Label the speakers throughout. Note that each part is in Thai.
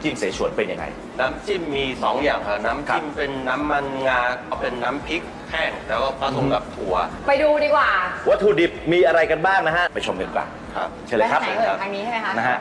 Speaker 1: จิ้มเสฉวนเป็นยังไง
Speaker 2: น้ำจิ้มมี2อย่างครับน้ำจิ้มเป็นน้ำมันงาเป็นน้ำพริกแห้งแล้วก็ผสมกับถั่ว
Speaker 3: ไปดูดีกว่า
Speaker 1: วัตถุดิบมีอะไรกันบ้างนะฮะไปชมกันก่อน
Speaker 2: ครับ
Speaker 1: เชิญเลยครับ
Speaker 3: ทางนี้ใช่ไหมคะ
Speaker 1: นะฮะ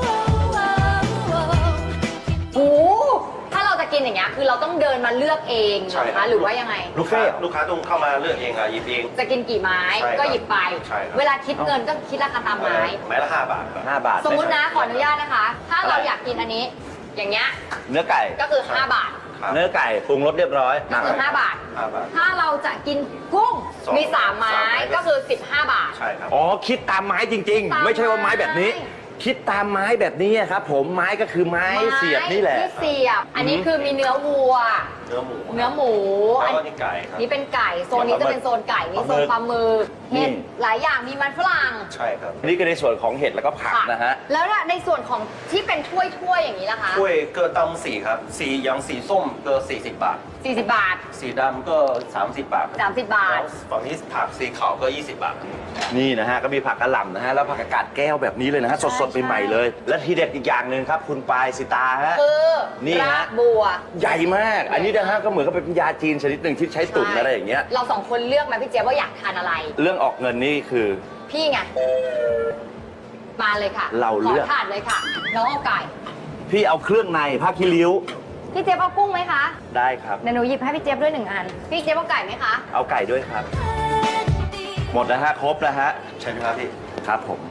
Speaker 3: โอ้ถ้าเราจะกินอย่างเงี้ยคือเราต้องเดินมาเลือกเองนะคะหรือว่ายังไง
Speaker 2: ลูกค้าต้องเข้ามาเลือกเองหยิบเอง
Speaker 3: จะกินกี่ไม้ก็หยิบไปเวลาคิดเงินก็คิดราคาตามไม้
Speaker 2: ไม้ละ5 บาท
Speaker 1: 5 บาท
Speaker 3: สมมุตินะขออนุญาตนะคะถ้าเราอยากกินอันนี้อย่างเงี้ย
Speaker 1: เนื้อไก่
Speaker 3: ก็คือ5 บาท
Speaker 1: เนื้อไก่ปรุงรสเรียบร้อย
Speaker 3: ก็คือ5 บาทถ้าเราจะกินกุ้งมี3 ไม้ก็คือ15 บาท
Speaker 2: ใช่ครับ
Speaker 1: อ๋อคิดตามไม้จริงๆไม่ใช่ว่าไม้แบบนี้คิดตามไม้แบบนี้ครับผมไม้ก็คือไม้เสียบนี่แหละ
Speaker 3: ที่เสียบอันนี้คือมีเนื้อวัว
Speaker 2: เนื้อหมู
Speaker 3: อัน
Speaker 2: นี้ไก่ครับ
Speaker 3: นี่เป็นไก่โซนนี้จะเป็นโซนไก่นี่โซนปลาหมึกเห็ดหลายอย่างมีมันฝรั่ง
Speaker 2: ใช่ครับ
Speaker 1: นี่ก็ในส่วนของเห็ดแล้วก็ผักนะฮะ
Speaker 3: แล้วในส่วนของที่เป็นถ้วยอย่างนี้ล่ะคะ
Speaker 2: ถ้วยเกลือตำสีครับสีอย่างสีส้มเกลือ40 บาท
Speaker 3: 40 บาท
Speaker 2: สีดำก็30 บาท
Speaker 3: 30 บาท
Speaker 2: ฝั่งนี้ผักสีขาวก็20 บาท
Speaker 1: นี่นะฮะก็มีผักกะหล่ำนะฮะแล้วผักกาดแก้วแบบนี้เลยนะฮะสดๆใหม่ๆเลยและทีเด็ดอีกอย่างหนึ่งครับคุณปายสิตาฮะ
Speaker 3: คือ
Speaker 1: นี่
Speaker 3: ฮะบัว
Speaker 1: ใหญ่มากอันนี้นะฮะก็เหมือนกับเป็นยาจีนชนิดหนึ่งที่ใช้ตุ๋นอะไรอย่างเงี้ย
Speaker 3: เรา2 คนเลือกมาพี่เจี๊ยบว่าอยากทานอะไร
Speaker 1: เรื่องออกเงินนี่คือ
Speaker 3: พี่ไงมาเลยค่ะ
Speaker 1: เราเลือก
Speaker 3: ขอทานเลยค่ะน้องเอาไก่
Speaker 1: พี่เอาเครื่องในผ้าคีริ้ว
Speaker 3: พี่เจี๊ยบเอากุ้งไหมคะ
Speaker 1: ได้ครับ
Speaker 3: เดี๋ยวหนูหยิบให้พี่เจี๊ยบด้วย1 อันพี่เจี๊ยบเอาไก่ไหมคะ
Speaker 1: เอาไก่ด้วยครับหมดนะฮะครบแล้วฮะ
Speaker 2: ใช่ไหมครับพี่
Speaker 1: ครับผม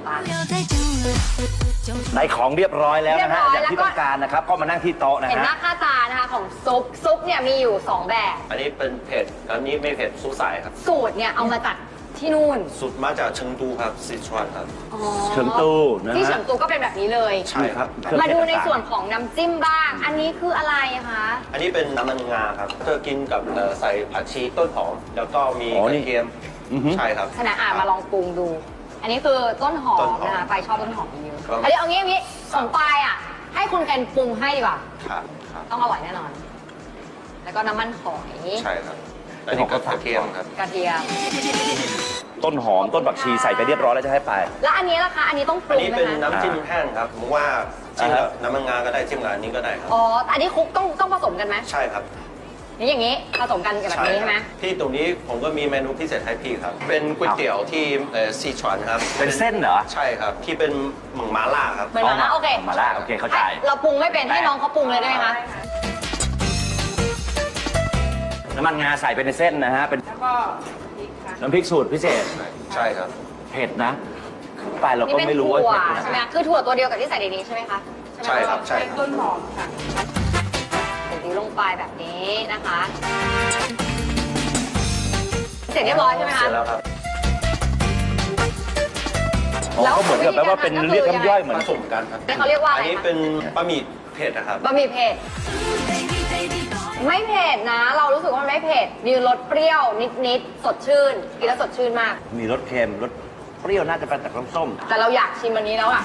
Speaker 1: ได้ของเรียบร้อยแล้วนะฮะอย่างที่ต้องการนะครับก็มานั่งที่โต๊ะนะฮะ
Speaker 3: เห็นหน้าค่าตานะคะของซุปเนี่ยมีอยู่2 แบบ
Speaker 2: อันนี้เป็นเผ็ดอันนี้ไม่เผ็ดซุปใสครับ
Speaker 3: สูตรเนี่ยเอามาจากที่นู่น
Speaker 2: สูตรมาจากเฉิงตูครับซิชวนครับ
Speaker 1: เฉิงตูนะฮะ
Speaker 3: ที่เฉิงตูก็เป็นแบบนี้เลย
Speaker 2: ใช่ครับ
Speaker 3: มาดูในส่วนของน้ำจิ้มบ้างอันนี้คืออะไรคะ
Speaker 2: อันนี้เป็นน้ำมันงาครับเธอกินกับใส่ผักชีต้นหอมแล้วก็มีกระเทียมใช่ครับ
Speaker 3: ขณะมาลองปรุงดูอันนี้คือต้นหอมนะคะปายชอบต้นหอมเยอะอันนี้เอางี้ของปายอ่ะให้คุณแคนปรุงให้ดีกว่า
Speaker 2: ครับ
Speaker 3: ต้องอร่อยแน่นอนแล้วก็น้ำมันหอย
Speaker 2: ใช่ครับอันนี้ก็กระเทียมครับ
Speaker 3: กระเทียม
Speaker 1: ต้นหอมต้นผักชีใส่ไปเรียบร้อยแล้วจะให้ไป
Speaker 3: แล้วอันนี้ล่ะคะอันนี้ต้องปรุงไหมคะ
Speaker 2: อันนี้เป็นน้ำจิ้มแห้งครับผมว่าจิ้มกับน้ำมันงาก็ได้จิ้มกับอันนี้ก็ได้ครับ
Speaker 3: อ๋ออันนี้คุกต้องผสมกันไหม
Speaker 2: ใช่ครับ
Speaker 3: นี่อย่างนี้ผสมกันกับแบบนี้ใช่ไหม
Speaker 2: ที่ตรงนี้ผมก็มีเมนูพิเศษให้พี่ครับเป็นก๋วยเตี๋ยวที่ซีชวนครับ
Speaker 1: เป็นเส้นเหรอ
Speaker 2: ใช่ครับที่เป็นหมึกหม่าล่าครับ
Speaker 3: เหมือนหม่าล่าโอเค
Speaker 1: หม่าล่าโอเคเข้าใจ
Speaker 3: เราปรุงไม่เป็นให้น้องเขาปรุงเลยได้ไหมคะ
Speaker 1: น้ำมันงาใส่ไปในเส้นนะฮะเป็น
Speaker 3: แล้วก็
Speaker 1: น้ำพริกสูตรพิเศษ
Speaker 2: ใช่ครับ
Speaker 1: เผ็ดนะไปเราก็ไม่รู้ว่า
Speaker 3: เผ็ดใช่ไหมคือถั่วตัวเดียวกับที่ใส่ในนี้ใช่ไหมคะ
Speaker 2: ใช่ครับใช่
Speaker 3: ต้นหอมค่ะตีลงไปแบบนี้นะคะเสร็จเรียบร้อยใช่ไหมคะ
Speaker 2: เสร็จแล้วครับ
Speaker 1: แล้วก็เหมือนกับแปลว่าเป็นเรียกน้ำย่อยเหมือน
Speaker 2: ผสมกันครับ
Speaker 3: เขาเรียกว่าอะไร
Speaker 2: อันนี้เป็นบะหมี่เผ็ดนะครับ
Speaker 3: บะหมี่เผ็ดไม่เผ็ดนะเรารู้สึกว่ามันไม่เผ็ดมีรสเปรี้ยวนิดสดชื่นกินแล้วสดชื่นมาก
Speaker 1: มีรสเค็มรสเปรี้ยวน่าจะเป็นจากน้ำส้ม
Speaker 3: แต่เราอยากชิมอันนี้แล้วอ่ะ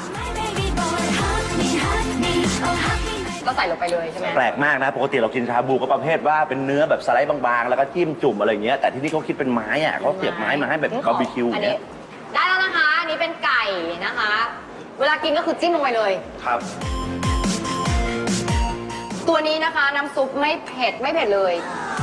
Speaker 3: ก็ใส่ลงไปเลยใช่ไหม
Speaker 1: แปลกมากนะปกติเรากินชาบูก็ประเภทว่าเป็นเนื้อแบบสไลด์บางๆแล้วก็จิ้มจุ่มอะไรเงี้ยแต่ที่นี่เขาคิดเป็นไม้อ่ะเขาเสียบไม้มาให้แบบบาร์บีคิวเนี่ย
Speaker 3: ได้แล้วนะคะอันนี้เป็นไก่นะคะเวลากินก็คือจิ้มลงไปเลย
Speaker 2: ครับ
Speaker 3: ตัวนี้นะคะน้ำซุปไม่เผ็ดเลย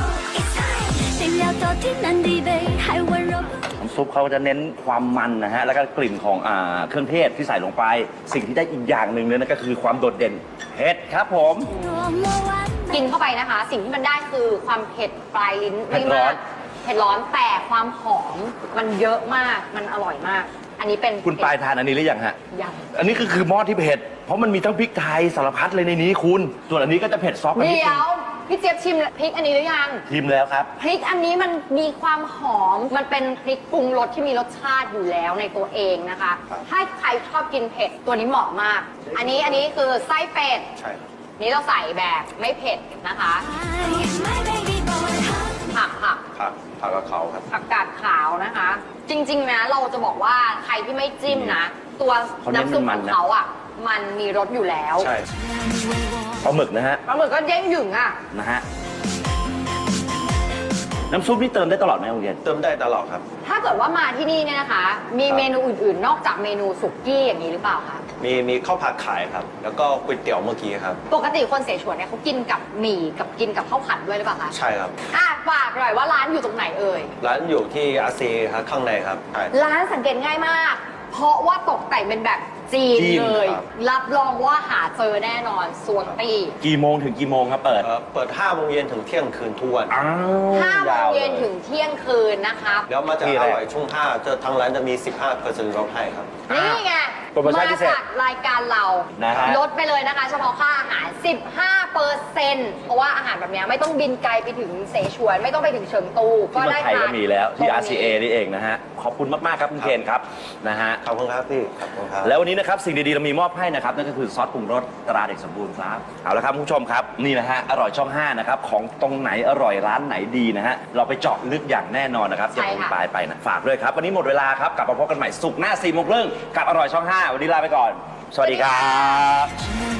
Speaker 1: น้ำซุปเขาจะเน้นความมันนะฮะแล้วก็กลิ่นของเครื่องเทศที่ใส่ลงไปสิ่งที่ได้อีกอย่างหนึ่งเลยนั่นก็คือความโดดเด่นเผ็ดครับผม
Speaker 3: กินเข้าไปนะคะสิ่งที่มันได้คือความเผ็ดปลายลิ้นไม่มากเผ็ดร้อนแต่ความหอมมันเยอะมากมันอร่อยมากอันนี้เป็น
Speaker 1: คุณปลายทานอันนี้หรือยังฮะ
Speaker 3: ยัง
Speaker 1: อันนี้คือหม้อที่เผ็ดเพราะมันมีทั้งพริกไทยสารพัดเลยในนี้คุณส่วนอันนี้ก็จะเผ็ดซอฟต์
Speaker 3: เดี๋ยวพี่เจี๊ยบชิมพริกอันนี้หรือยัง
Speaker 1: ชิมแล้วครับ
Speaker 3: พริกอันนี้มันมีความหอมมันเป็นพริกปรุงรสที่มีรสชาติอยู่แล้วในตัวเองนะคะถ้าใครชอบกินเผ็ดตัวนี้เหมาะมากอันนี้คือไส้เป็ด
Speaker 2: ใช่
Speaker 3: นี่เราใส่แบบไม่เผ็ดนะคะผัก
Speaker 2: กาดขาวครับ
Speaker 3: ผักกาดขาวนะคะจริงๆนะเราจะบอกว่าใครที่ไม่จิ้มนะตัวน้ำซุปของเขาอ่ะมันมีรสอยู่แล้ว
Speaker 2: ใช่
Speaker 1: ปลาหมึกนะฮะ
Speaker 3: ปลาหมึกก็เด้งหยึงอ่ะ
Speaker 1: นะฮะน้ำซุปนี่เติมได้ตลอดไหมคุณเคน
Speaker 2: เติมได้ตลอดครับ
Speaker 3: ถ้าเกิดว่ามาที่นี่เนี่ยนะคะ มีเมนูอื่นๆ นอกจากเมนูสุกี้อย่างนี้หรือเปล่าคะ
Speaker 2: มีข้าวผัดขายครับ แล้วก็ก๋วยเตี๋ยวเมื่อกี้ครับ
Speaker 3: ปกติคนเสฉวนเนี่ยเขากินกับหมี่กับกินกับข้าวผัดด้วยหรือเปล่าคะ
Speaker 2: ใช่ครับ
Speaker 3: ฝากหน่อยว่าร้านอยู่ตรงไหนเอ่ย
Speaker 2: ร้านอยู่ที่อาเซีครับข้างในครับใช่
Speaker 3: ร้านสังเกตง่ายมาก เพราะว่าตกแต่งเป็นแบบจีน
Speaker 1: จีน
Speaker 3: เลย
Speaker 2: ครับ
Speaker 3: รับรองว่าหาเจอแน่นอนส่วนตี
Speaker 1: กี่โมงถึงกี่โมงครับเปิด
Speaker 2: เปิด5 โมงเย็นถึงเที่ยงคืนทุกวัน
Speaker 1: อ้าว
Speaker 3: 5 โมงเย็น
Speaker 1: ล
Speaker 3: ถึงเที่ยงคืนนะคะ
Speaker 2: แล้วมาจาก
Speaker 1: ที่
Speaker 2: อ
Speaker 1: แรก
Speaker 2: ร่อยช่วง5ทางร้านจะมี 15%ลดให้ครับ
Speaker 3: นี่ไง
Speaker 1: โปรโมชั่นพิเศษ
Speaker 3: จากรายการเรา
Speaker 1: นะฮะ
Speaker 3: ลดไปเลยนะคะ เฉพาะค่าอาหาร 15%เพราะว่าอาหารแบบเนี้ยไม่ต้องบินไกลไปถึงเสฉวน ไม่ต้องไปถึงเฉิงตู
Speaker 1: ที่
Speaker 3: ก็
Speaker 1: เมือ
Speaker 3: ได้
Speaker 1: งไทยก็มีแล้วที่
Speaker 3: ตรงนี้
Speaker 1: RCA นี่เองนะฮะ ขอบคุณมาก ๆ ครับคุณเคนครับนะฮะ
Speaker 2: ขอบคุณครับพี่ขอบคุณครับ
Speaker 1: แล้ววันนี้นะครับสิ่งดี ๆ เรามีมอบให้นะครับ นั่นก็คือซอสปรุงรสตราเด็กสมบูรณ์ครับ เอาละครับคุณผู้ชมครับ นี่นะฮะ อร่อยช่อง 5 นะครับ ของตรงไหนอร่อยร้านไหนดีนะฮะ เราไปเจาะลึกอย่างแน่นอนนะครับ
Speaker 3: ใช่
Speaker 1: อย่า
Speaker 3: ค่ะ
Speaker 1: ลืมไปนะฝากด้วยครับ วันนี้หมดเวลาครับ กลับมาพบกันใหม่ศุกร์หน้า 4 โมงครึ่งกับอร่อยช่อง 5 วันนี้ลาไปก่อน สวัสดีครับ